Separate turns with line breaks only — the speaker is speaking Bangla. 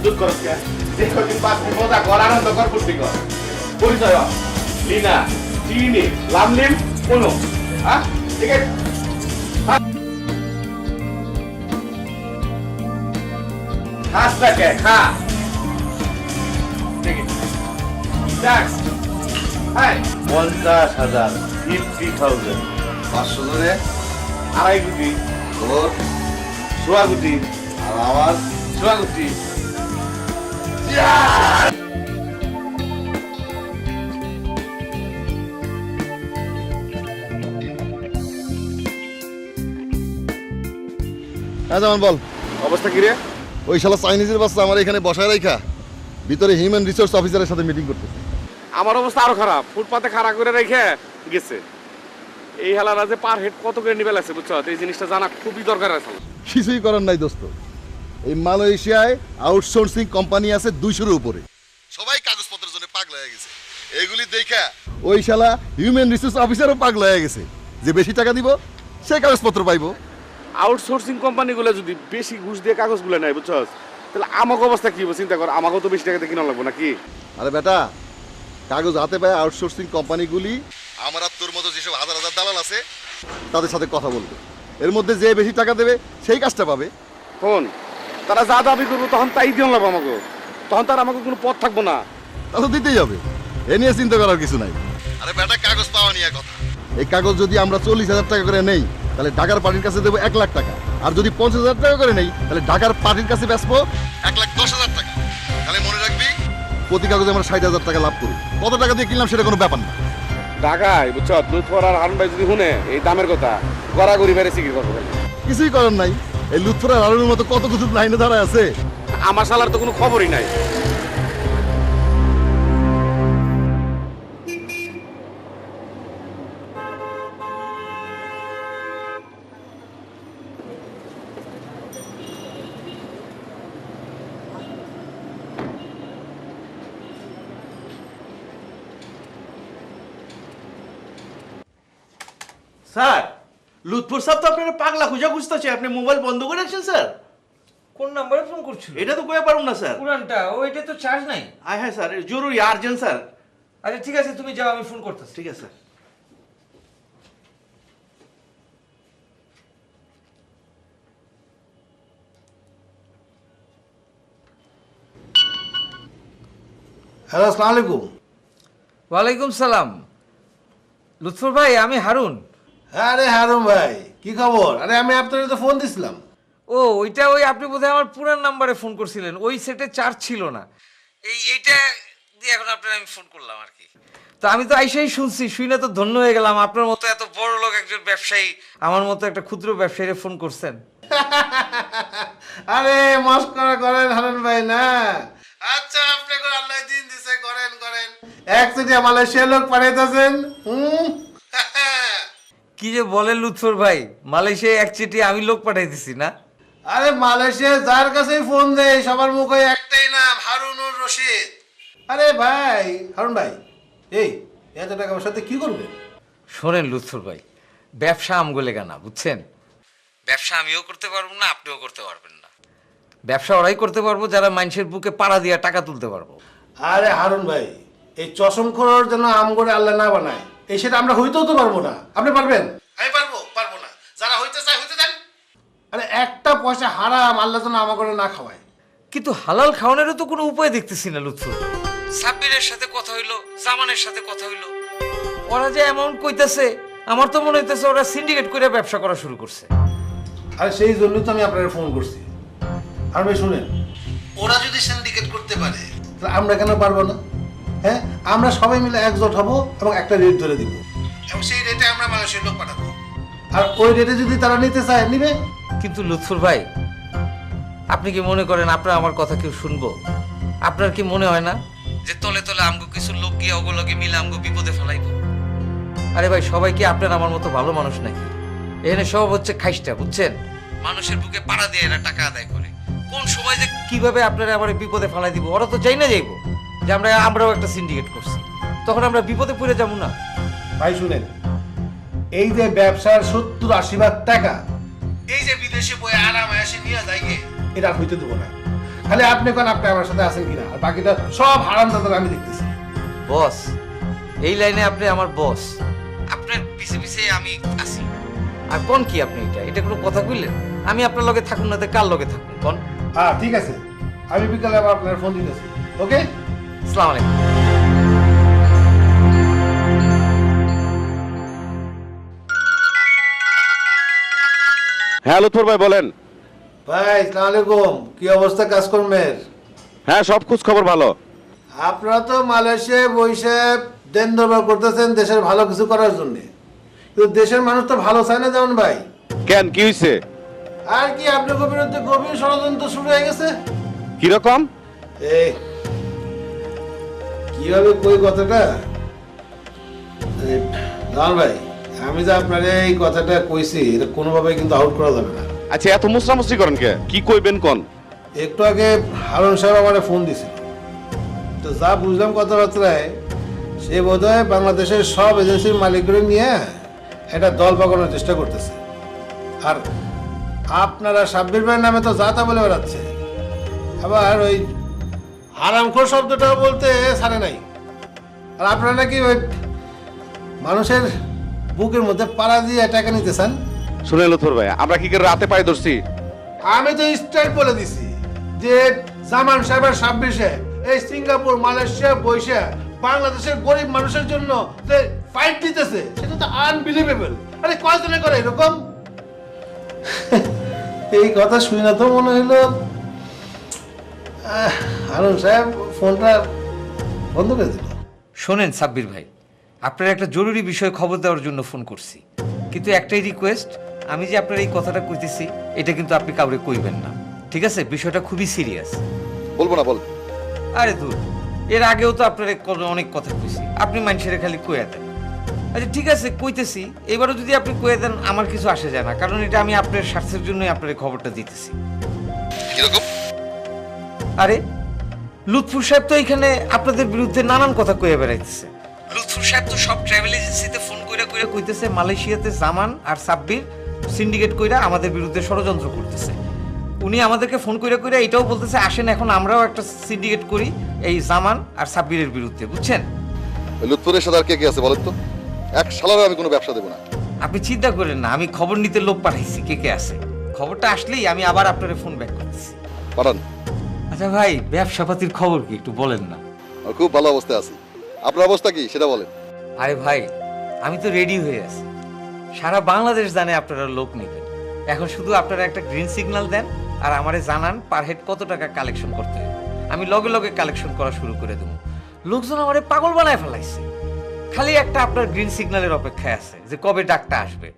দুধ করস কে যে কদিন বাঁচবি মজা কর আনন্দ কর ফুর্তি কর পরিচয় হ। লিনা চিনি লামলিম কোনো হ্যাঁ ঠিক আছে খাস না কে খা ঠিক আছে ট্যাক্স হাই 50,000 50,000
500 জনে
2.5 কোটি
তোর
সোয়া কোটি
আর আমার
সোয়া কোটি
হ্যাঁ যেমন বল
অবস্থা কি রে
ওই শালা চাইনিজের বাচ্চা আমার এখানে বসায় রাখা ভিতরে হিউম্যান রিসোর্স অফিসারের সাথে মিটিং করতেছে।
আমার অবস্থা আরো খারাপ ফুটপাতে খাড়া করে রেখে গেছে এই হেলারা যে পার হেড কত করে নিবে লাগছে বুঝছো এই জিনিসটা জানা খুবই দরকার আছে
কিছুই করার নাই দোস্ত, এই মালয়েশিয়ায় আউটসোর্সিং কোম্পানি আছে 200-এর উপরে, সবাই কাগজপত্রের জন্য পাগল হয়ে গেছে। এগুলি দেখা ওই শালা হিউম্যান রিসোর্স অফিসারও পাগল হয়ে গেছে যে বেশি টাকা দিব সে কাগজপত্র পাইবো।
আউটসোর্সিং কোম্পানিগুলো যদি বেশি ঘুষ দিয়ে কাগজগুলো নেয় বুঝছো তাহলে আমাকে অবস্থা কি হবে চিন্তা কর আমাকেও তো বেশি টাকাতে কিনা লাগবো নাকি
আরে বেটা, কাগজ হাতে পায় আউটসোর্সিং কোম্পানিগুলি আমার আর তোর মতো যেসব হাজার হাজার দালাল আছে তাদের সাথে কথা বলবে, এর মধ্যে যে বেশি টাকা দেবে সেই কাজটা পাবে।
ফোন তারা যা দাবি করবো তখন তাই দিয়ে লাগবো আমাকে, তখন তার আমাকে কোনো পথ থাকবো না।
তা তো দিতেই হবে, এ নিয়ে চিন্তা করার কিছু নাই। আরে বেটা, কাগজ পাওয়া নিয়ে কথা, এই কাগজ যদি আমরা 40,000 টাকা করে নেই তাহলে ঢাকার পার্টির কাছে দেবো 1 লাখ টাকা, আর যদি 50,000 টাকা করে নেই তাহলে ঢাকার পার্টির কাছে বেচবো 1,10,000 টাকা। তাহলে মনে রাখবি প্রতি কাগজে আমরা 60,000 টাকা লাভ করি। কত টাকা দিয়ে কিনলাম সেটা কোনো ব্যাপার না।
ঢাকায় বুঝছো লুৎফর আর হারুন ভাই যদি শুনে এই দামের কথা গড়াগড়ি বেড়ে সিকির করবো।
কিছুই করার নাই, এই লুৎফরের আলুর মতো কত কিছু লাইনে দাঁড়ায় আছে।
আমার শালার তো কোনো খবরই নাই।
স্যার, লুৎফর সাহেব তো আপনার পাগলা খুঁজা খুঁজতেছে, আপনি মোবাইল বন্ধ করে রাখছেন স্যার।
কোন নাম্বারে ফোন করছিল?
এটা তো কয়ে পারুন না স্যার।
পুরানটা ওইটা তো চার্জ নাই।
হ্যাঁ স্যার, জরুরি আর্জেন্ট স্যার।
আচ্ছা ঠিক আছে, তুমি যাও, আমি ফোন করতেছি।
ঠিক আছে স্যার।
হ্যালো, আসসালামু আলাইকুম।
ওয়ালাইকুম সালাম। লুৎফর ভাই, আমি হারুন।
আরে হারুন ভাই, কি খবর? আরে আমি আপনার তো ফোন দিছিলাম।
ও ওইটা ওই আপনি বোধহয় আমার পুরান নাম্বারে ফোন করছিলেন, ওই সেটে চার্জ ছিল না, এইটা দিয়ে এখন আপনার আমি ফোন করলাম আর কি। তো আমি তো আইসাই শুনছি, শুনে তো ধন্য হয়ে গেলাম, আপনার মতো এত বড় লোক একজন ব্যবসায়ী আমার মতো একটা ক্ষুদ্র ব্যবসায়ীরে ফোন করছেন।
আরে মস্করা করেন হারুন ভাই না। আচ্ছা, আপনি করে আল্লাহ দিন দিছে, করেন করেন। এক চিঠি মালয়েশিয়া লোক পাঠাইতেছেন।
কি যে বলেন লুৎফর ভাই, মালয়েশিয়ায় এক চিঠি আমি লোক পাঠাই দিছি না?
আরে মালয়েশিয়া যার কাছেই ফোন দেয় সবার মুখে একটাই নাম, হারুনুর রশিদ। আরে ভাই হারুন ভাই, এই এত টাকা আমার সাথে কি করবে?
শোনেন লুৎফর ভাই, ব্যবসা আমগোলে গানা, বুঝছেন? ব্যবসা আমিও করতে পারবো না, আপনিও করতে পারবেন না। ব্যবসা ওরাই করতে পারবো যারা মানুষের বুকে পাড়া দিয়ে টাকা তুলতে পারবো।
আরে হারুন ভাই, এই চশম খোরার জন্য আম করে আল্লাহ না বানায়, এই সেটা আমরা হইতেও তো পারবো না। আপনি পারবেন? আমি পারবো না। যারা হইতে চায় হইতে দেন। আরে একটা পয়সা হারাম আল্লাহ যেন আমা করে না খাওয়ায়।
কিন্তু হালাল খাওয়ানোরও তো কোনো উপায় দেখতেছি না লুৎফর ভাই। সাব্বিরের সাথে কথা হইলো, জামানের সাথে কথা হইলো, ওরা যে অ্যামাউন্ট কইতাছে, আমার তো মনে হইতেছে ওরা সিন্ডিকেট করে ব্যবসা করা শুরু করছে।
আর সেই জন্যই তো আমি আপনাকে ফোন করছি। আর ভাই শুনেন, ওরা যদি সিন্ডিকেট করতে পারে তাহলে আমরা কেন পারবো না? হ্যাঁ, আমরা সবাই মিলে একজোট হব এবং একটা রেট ধরে দিব, এবং সেই রেটে আমরা মানুষের লোক পাঠাবো। আর ওই রেটে যদি তারা নিতে চায় নিবে।
কিন্তু লুৎফর ভাই, আপনি কি মনে করেন আপনার আমার কথা কেউ শুনবো? আপনার কি মনে হয় না যে তলে তলে আমগো কিছু লোক গিয়ে ওগুলোকে মিলে আমগো বিপদে ফেলাইব? আরে ভাই, সবাই কি আপনার আমার মতো ভালো মানুষ নাকি? এখানে সব হচ্ছে খাইস্টা, বুঝছেন? মানুষের বুকে পাড়া দিয়ে এরা টাকা আদায় করে। কোন সময় যে কিভাবে আপনারা আমার বিপদে ফেলাই দিব ওরা তো চাই না যাইব যে আমরাও একটা সিন্ডিকেট করছি, তখন আমরা বিপদে পড়ে যাবো না?
ভাই শুনেন, এই যে ব্যবসার 70-80 ভাগ টাকা এই যে বিদেশে বই আরাম এসে নিয়ে যায়, এটা আর হইতে দেবো না। খালি আপনি কোন আপনি আমার সাথে আছেন কিনা, আর বাকিটা সব হারাম দাদা আমি দেখতেছি।
বস, এই লাইনে আপনি আমার বস, আপনার পিছে পিছে আমি আছি। আর কোন কি আপনি এটা কোনো কথা কইলেন? আমি আপনার লগে থাকুন না তো কার লগে থাকুন কোন?
হ্যাঁ ঠিক আছে, আমি বিকালে আবার আপনার ফোন দিতেছি। ওকে,
আসসালামু আলাইকুম।
হ্যাঁ লুৎফর ভাই বলেন।
ভাই আসসালামু আলাইকুম, কি অবস্থা কাজকর্মের?
হ্যাঁ সব খোঁজ খবর ভালো।
আপনারা তো মালয়েশিয়ায় বসে দেন দরবার করতেছেন দেশের ভালো কিছু করার জন্য, কিন্তু দেশের মানুষ তো ভালো চায় না যেমন ভাই।
কেন কি হয়েছে?
আর কি আপনার বিরুদ্ধে গভীর ষড়যন্ত্র শুরু হয়ে গেছে।
কিরকম?
এই কিভাবে কই কথাটা, জান ভাই, আমি যে আপনার এই কথাটা কইছি এটা কোনোভাবে কিন্তু আউট করা যাবে না।
আচ্ছা এত মুসরামুসরি করেন কে? কি কইবেন কোন?
একটু আগে হারুন সাহেব আমার ফোন দিছিল, তো যা বুঝলাম কথাবার্তায় সে বোধহয় বাংলাদেশের সব এজেন্সির মালিকগুলো নিয়ে একটা দল পাকানোর চেষ্টা করতেছে। আর আপনারা সাব্বির ভাইয়ের নামে তো যা তা বলে বেড়াচ্ছে, আবার ওই হারামখোর শব্দটাও বলতে ছাড়ে নাই। আর আপনারা নাকি ওই মানুষের বুকের মধ্যে পাড়া দিয়ে টাকা নিতে চান।
শুনে লুৎফর ভাই, আমরা কি করে রাতে পায়ে ধরছি?
আমি তো স্ট্রেট বলে দিছি যে জামান সাহেবের 26-এ এই সিঙ্গাপুর মালয়েশিয়া বৈশা বাংলাদেশের গরিব মানুষের জন্য যে ফাইট দিতেছে সেটা তো আনবিলিভেবল। আরে কয়জনে করে এরকম? এই কথা শুনে না তো মনে হইলো হারুন সাহেব ফোনটা বন্ধ করে দিল।
শোনেন সাব্বির ভাই, আপনার একটা জরুরি বিষয়ে খবর দেওয়ার জন্য ফোন করছি, কিন্তু একটাই রিকোয়েস্ট, আমি যে আপনার এই কথাটা কইতেছি এটা কিন্তু আপনি কাউরে কইবেন না, ঠিক আছে? বিষয়টা খুবই সিরিয়াস।
বলবো না, বল।
আরে দূর, এর আগেও তো আপনার অনেক কথা কইছি, আপনি মানুষের খালি কইয়া দেন। আচ্ছা ঠিক আছে কইতেছি, এবারও যদি আপনি কইয়া দেন আমার কিছু আসে যায় না, কারণ এটা আমি আপনার স্বার্থের জন্যই আপনার এই খবরটা দিতেছি।
কিরকম?
আরে লুৎফুর সাহেব তো এখানে আপনাদের বিরুদ্ধে নানান কথা কইয়া বেড়াইতেছে। লুৎফুর সাহেব তো সব ট্রাভেল এজেন্সিতে ফোন কইরা কইরা কইতেছে মালয়েশিয়াতে জামান আর সাব্বির সিন্ডিকেট কইরা আমাদের বিরুদ্ধে ষড়যন্ত্র করতেছে। উনি আমাদেরকে ফোন কইরা কইরা এটাও বলতেছে আসেন এখন আমরাও একটা সিন্ডিকেট করি এই জামান আর সাব্বিরের বিরুদ্ধে, বুঝছেন?
লুৎফরের সাথে আর কে কে আছে বলেন তো? এক শালারও আমি কোনো ব্যবসা দেবো না।
আপনি চিন্তা করেন না, আমি খবর নিতে লোক পাঠাইছি কে কে আছে। খবরটা আসলেই আমি আবার আপনার ফোন ব্যাক করতেছি।
পাঠান।
আচ্ছা ভাই, ব্যবসাপাতির খবর কি একটু বলেন না?
আমি খুব ভালো অবস্থায় আছি। আপনার অবস্থা কি সেটা বলেন।
আরে ভাই, আমি তো রেডি হয়ে আছি, সারা বাংলাদেশ জানে আপনারা লোক নেবেন। এখন শুধু আপনারা একটা গ্রিন সিগন্যাল দেন আর আমারে জানান পার হেড কত টাকা কালেকশন করতে হবে, আমি লগে লগে কালেকশন করা শুরু করে দেবো। লোকজন আমারে পাগল বানায় ফেলাইছে, খালি একটা আপনার গ্রিন সিগন্যালের অপেক্ষায় আছে যে কবে ডাকটা আসবে।